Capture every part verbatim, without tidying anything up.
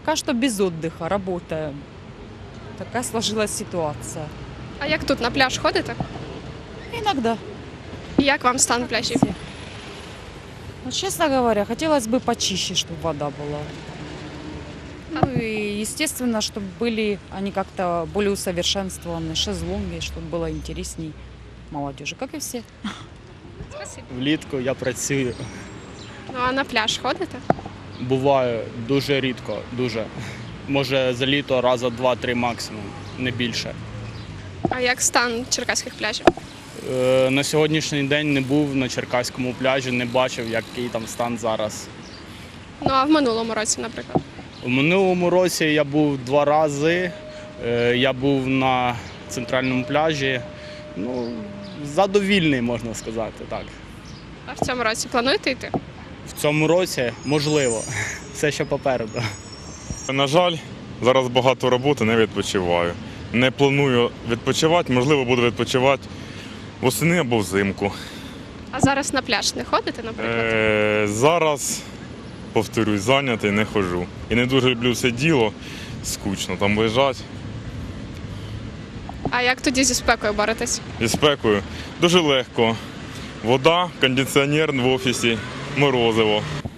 пока что без отдыха, работаем. Такая сложилась ситуация. А як тут на пляж ходите? Иногда. І як вам стан пляжів? Ну, честно говоря, хотелось бы почище, чтобы вода была. Ну и, естественно, чтобы были они как-то более усовершенствованы, шезлонги, чтобы было интересней молодежи, как и все. Спасибо. Влітку я працюю. Ну а на пляж ходите? Буває дуже рідко, дуже. Може за літо раза два-три максимум, не більше. А як стан черкаських пляжів? Е, на сьогоднішній день не був на Черкаському пляжі, не бачив, який там стан зараз. Ну а в минулому році, наприклад? У минулому році я був два рази. Е, я був на центральному пляжі. Ну, задовільний, можна сказати, так. А в цьому році плануєте йти? В цьому році можливо, все ще попереду. На жаль, зараз багато роботи, не відпочиваю. Не планую відпочивати, можливо, буду відпочивати восени або взимку. А зараз на пляж не ходите, наприклад? Е, зараз, повторюсь, зайнятий, не ходжу. І не дуже люблю це діло, скучно там лежать. А як тоді зі спекою боретесь? Зі спекою дуже легко. Вода, кондиціонер в офісі, морозиво.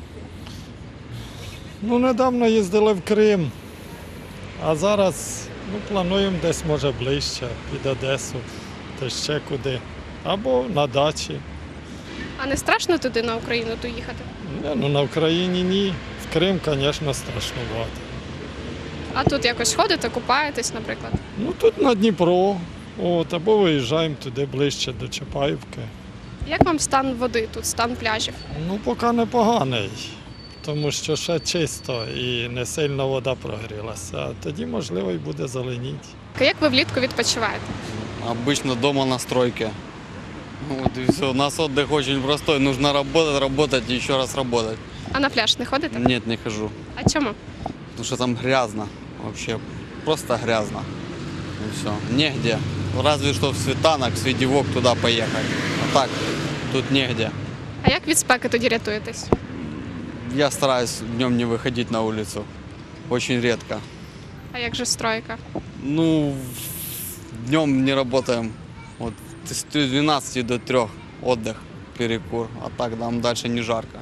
Ну, недавно їздили в Крим, а зараз ну, плануємо десь, може, ближче, під Одесу, та ще куди. Або на дачі. А не страшно туди на Україну то їхати? Не, ну, на Україні ні. В Крим, звісно, страшнувато. А тут якось ходите, купаєтесь, наприклад? Ну, тут на Дніпро, от, або виїжджаємо туди ближче до Чапаївки. Як вам стан води тут, стан пляжів? Ну, поки непоганий, тому що ще чисто і не сильно вода прогрілася. А тоді, можливо, і буде зеленіти. Як ви влітку відпочиваєте? Обычно дома на стройке. Вот и все. У нас отдых очень простой. Нужно работать, работать и еще раз работать. А на пляж не ходите? Нет, не хожу. А чому? Потому что там грязно. Вообще просто грязно. И все. Негде. Разве что в Светанок, в Свидевок туда поехать. А так, тут негде. А як від спеки тоді рятуєтесь? Я стараюсь днем не выходить на улицу. Очень редко. А як же стройка? Ну, днем не работаем. Вот с двенадцати до трёх отдых, перекур. А так там дальше не жарко.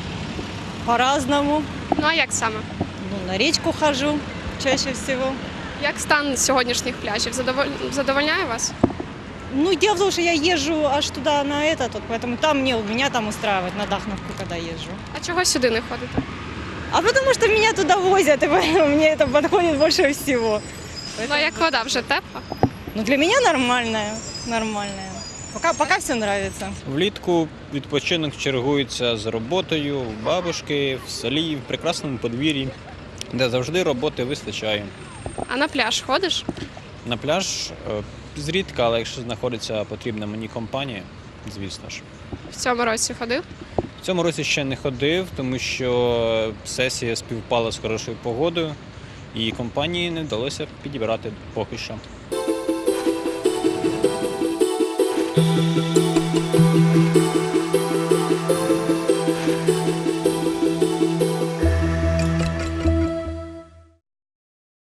По-разному. Ну а як саме? Ну, на речку хожу чаще всего. Як стан сьогоднішніх пляжів? Задоволь... Задовольняє вас? Ну, дело в том, что я езжу аж туда, на этот, вот, поэтому там мне, меня там устраивает, на Дахновку, когда езжу. А чого сюди не ходите? А потому что меня туда возят, и поэтому мне это подходит больше всего. Ну а як вода вже тепла? Ну, для меня нормальная, нормальная. Пока, пока все нравится. Влітку відпочинок чергується з роботою у бабушки, в селі, в прекрасному подвір'ї, де завжди роботи вистачає. А на пляж ходиш? На пляж е, зрідка, але якщо знаходиться потрібна мені компанія, звісно ж. В цьому році ходив? В цьому році ще не ходив, тому що сесія співпала з хорошою погодою і компанії не вдалося підібрати поки що.